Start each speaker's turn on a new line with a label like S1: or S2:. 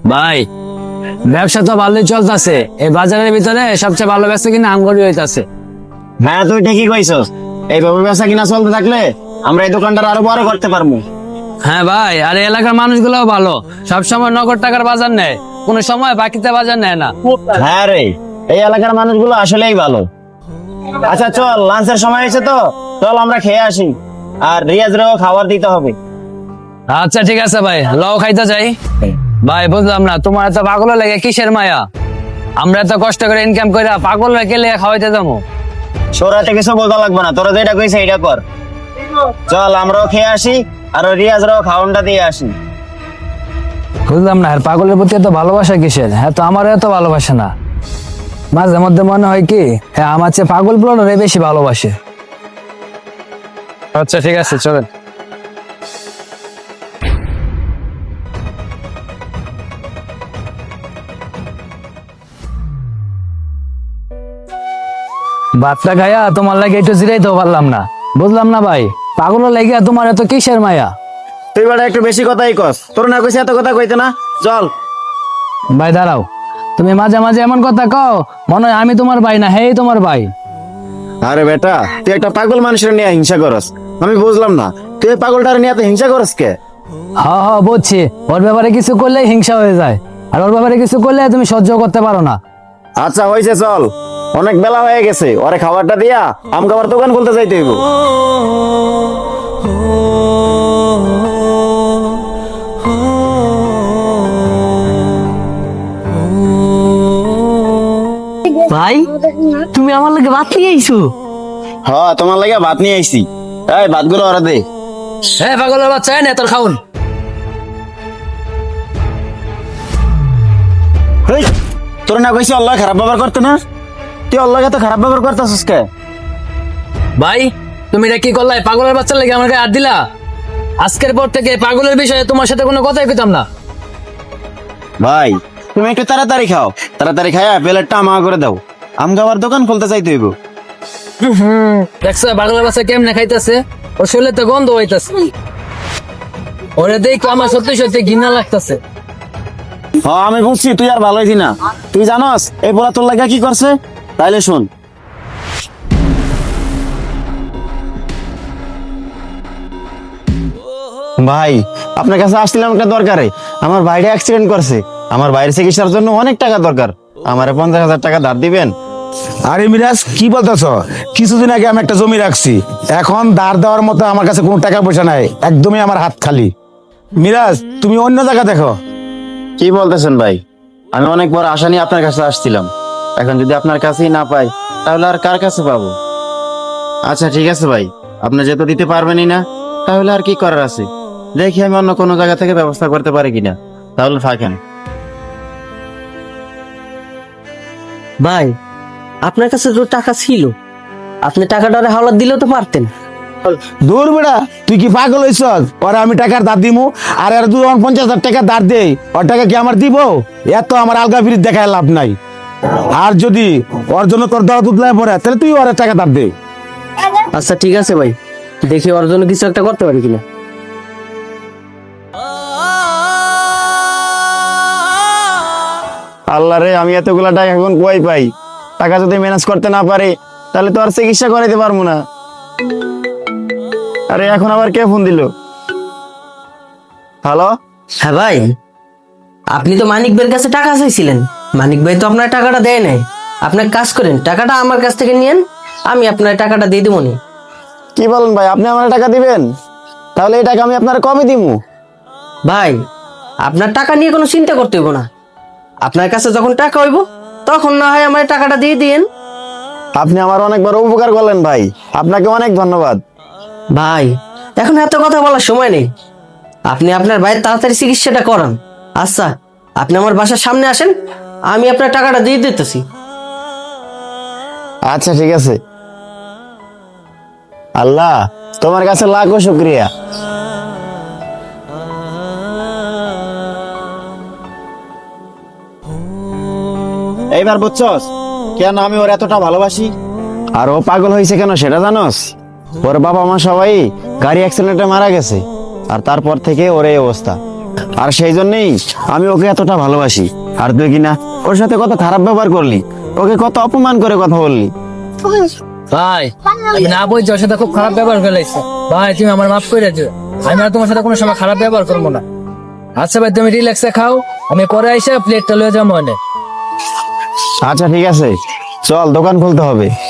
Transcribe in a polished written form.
S1: ভাই ব্যবসা তো ভালোই চলতেছে, এই বাজারের ভিতরে সবচেয়ে ভালো ব্যবসা কিনা আমগরি হইতাছে।
S2: হ্যাঁ তুই ঠিকই কইছস, এইভাবে ব্যবসা কিনা চলতে থাকলে আমরা এই দোকানটা আরো বড় করতে পারবো।
S1: হ্যাঁ ভাই, আর এই এলাকার মানুষগুলোও ভালো, সবসময় নগদ টাকার বাজার নেয়, কোনো সময় বাকিতে বাজার নেয় না।
S2: হ্যাঁ রে, এই এলাকার মানুষগুলো আসলেই ভালো। আচ্ছা চল, লাঞ্চের সময় হয়েছে তো, চল আমরা খেয়ে আসি, আর রিয়াজরেও খাবার দিতে হবে।
S1: আচ্ছা ঠিক আছে ভাই, লও খাইতে যাই। ভাই বুঝলাম না, তোমার এত পাগল লাগে কিসের মায়া? আমরা এত কষ্ট করে ইনকাম করে পাগল রেখে খাওয়াইতে যাবো।
S2: সৌরাতে কিছু বলতে লাগবে না, তোরা যেটা কইছে এটা কর। চল আমরাও খেয়ে আসি, আর রিয়াজরাও খাওয়ানটা দিয়ে আসি।
S1: বুঝলাম না, আর পাগলের প্রতি এত ভালোবাসা কিসের? হ্যাঁ তো আমারও এত ভালোবাসে না। মাঝে মধ্যে মনে হয় কি, হ্যাঁ আমার চেয়ে পাগল গুলো বেশি ভালোবাসে। আচ্ছা ঠিক আছে, চলেন। ভাতটা খাইয়া তোমার লাগে একটু জিরাইতেও পারলাম না। বুঝলাম না ভাই, পাগল লাগিয়া তোমার এত কিসের মায়া?
S2: তুই বেটা একটু বেশি কথাই কস, তোর না কইছে এত কথা কইতে না, চল।
S1: ভাই দাঁড়াও, তুমি মাঝে মাঝে এমন কথা কও মনে হয় আমি তোমার ভাই না, হেই তোমার ভাই।
S2: আরে বেটা, তুই একটা পাগল মানুষের নিয়ে হিংসা করস, আমি বুঝলাম না তুই এই পাগলটার নিয়ে এত হিংসা করস কে?
S1: হ্যাঁ হ্যাঁ বুঝছি, ওর ব্যাপারে কিছু করলে হিংসা হয়ে যায়, আর ওর ব্যাপারে কিছু করলে তুমি সহ্য করতে পারো না।
S2: আচ্ছা হয়েছে, চল, অনেক বেলা হয়ে গেছে, ওরে খাবারটা দিয়া আমাকে আবার দোকান খুলতে যাইতে হইব।
S3: ভাই তুমি আমার লাগে ভাত নিয়ে আইছো?
S2: হ্যাঁ তোমার লাগে ভাত নিয়ে আইছি, এই ভাতগুলো ওরা দে।
S1: হ্যাঁ পাগলের বাচ্চা, না তোর খাউন।
S2: হেই, তোর না কইছি আল্লাহ খারাপ ব্যবহার করতে না, তুই আল্লাহকে তো খারাপ ব্যবহার করতেছিস কে?
S1: ভাই তুমি এটা কি করলাই? পাগলের বাচ্চার লাগে আমাকে হাত দিলা। আজকের পর থেকে পাগলের বিষয়ে তোমার সাথে কোনো কথাই কইতাম না।
S2: ভাই তুমি একটু তাড়াতাড়ি খাও, তাড়াতাড়ি খায়া প্লেটটা আমা করে দাও, আমাকে আবার দোকান খুলতে চাইতে হইব।
S1: দেখছো পাগলের বাচ্চা কেমনে খাইতেছে, ওর শরীরে তো গন্ধ হইতাছে, ওরে দেখো আমার সত্যি সত্যি ঘৃণা লাগতেছে।
S2: হ্যাঁ আমি বুঝছি, তুই আর ভালোই দিনা। তুই জানস এই বলা তোর লাগা কি করছে? তাইলে শোন। ভাই আপনার কাছে আসছিলাম একটা দরকারে, আমার ভাইটা অ্যাক্সিডেন্ট করছে, আমার ভাইয়ের চিকিৎসার জন্য অনেক টাকা দরকার, আমারে 50,000 টাকা ধার দিবেন?
S4: আরে মিরাজ কি বলতেছ? কিছুদিন আগে আমি একটা জমি রাখছি, এখন ধার দেওয়ার মতো আমার কাছে কোনো টাকা পয়সা নাই, একদমই আমার হাত খালি। মিরাজ তুমি অন্য জায়গা দেখো।
S2: কি বলতেছেন ভাই? আমি অনেক বড় আশা নিয়ে আপনার কাছে আসছিলাম, এখন যদি আপনার কাছেই না পাই তাহলে আর কার কাছে পাবো? আচ্ছা ঠিক আছে ভাই, আপনি যেহেতু দিতে পারবেনই না, তাহলে আর কি করার আছে, দেখি আমি অন্য কোনো জায়গা থেকে ব্যবস্থা করতে পারি কিনা, তাহলে থাকেন।
S3: ভাই আপনার কাছে তো টাকা ছিল, আপনি টাকাটা হাওলাত দিলেও তো পারতেন।
S4: দূর বেড়া, তুই কি পাগল হইছ? ওরা আমি টাকার ধার দিমু, আর এর 50,000 টাকা ধার দেই, ওর টাকা কি আমার দিব? এত আমার আলগা ফিরিত দেখায় লাভ নাই। আর যদি ওর জন্য তোর দরা দুধলায় পড়ে, তাহলে তুই ওর টাকা ধার দে।
S3: আচ্ছা ঠিক আছে ভাই, দেখি ওর জন্য কিছু একটা করতে পারি কিনা।
S2: আল্লাহ রে, আমি এতগুলা টাকা এখন কই পাই? টাকা যদি ম্যানেজ করতে না পারি তাহলে তো আর চিকিৎসা করাইতে পারবো না। আরে এখন আবার কে ফোন দিল? হ্যালো?
S3: হ্যাঁ ভাই, আপনি তো মানিক ভাইয়ের কাছে টাকা চাইছিলেন, মানিক ভাই তো আপনার টাকাটা দেয় নাই। আপনি এক কাজ করেন, টাকাটা আমার কাছ থেকে নিয়েন, আমি আপনার টাকাটা দিয়ে দেবো নি।
S2: কি বলেন ভাই, আপনি আমার টাকা দিবেন? তাহলে এই টাকা আমি আপনার কবে দিমু?
S3: ভাই আপনার টাকা নিয়ে কোনো চিন্তা করতে হইব না, আপনার কাছে যখন টাকা হইব তখন না হয় আমার টাকাটা দিয়ে দিয়েন।
S2: আপনি আমার অনেক বড় উপকার করলেন ভাই, আপনাকে অনেক ধন্যবাদ।
S3: ভাই এখন এত কথা বলার সময় নেই, আপনি আপনার ভাইয়ের তাড়াতাড়ি চিকিৎসাটা করান। আচ্ছা আপনি আমার বাসার সামনে আসেন, আমি আপনার টাকাটা দিয়ে দিতেছি।
S2: আচ্ছা ঠিক আছে। আল্লাহ তোমার কাছে লাখো শুকরিয়া। এইবার বুঝছস কেন আমি ওর এতটা ভালোবাসি? আর ও পাগল হয়েছে কেন সেটা জানোস? ওর বাবা মা সবাই গাড়ি অ্যাক্সিডেন্টে মারা গেছে, আর তারপর থেকে ওর এই অবস্থা। আর সেই জন্যই আমি ওকে এতটা ভালোবাসি। আর তুই কিনা ওর সাথে কত খারাপ ব্যবহার করলি, ওকে কত অপমান করে কথা বললি।
S1: ভাই আমি না বলছি ওর সাথে খুব খারাপ ব্যবহার করে লাগছে। ভাই তুমি আমার মাফ করে দিও, আমি আর তোমার সাথে কোনো সময় খারাপ ব্যবহার করবো না। আচ্ছা ভাই তুমি রিল্যাক্সে খাও, আমি পরে আইসা প্লেটটা লয়ে যাবো অনেক।
S2: আচ্ছা ঠিক আছে, চল দোকান খুলতে হবে।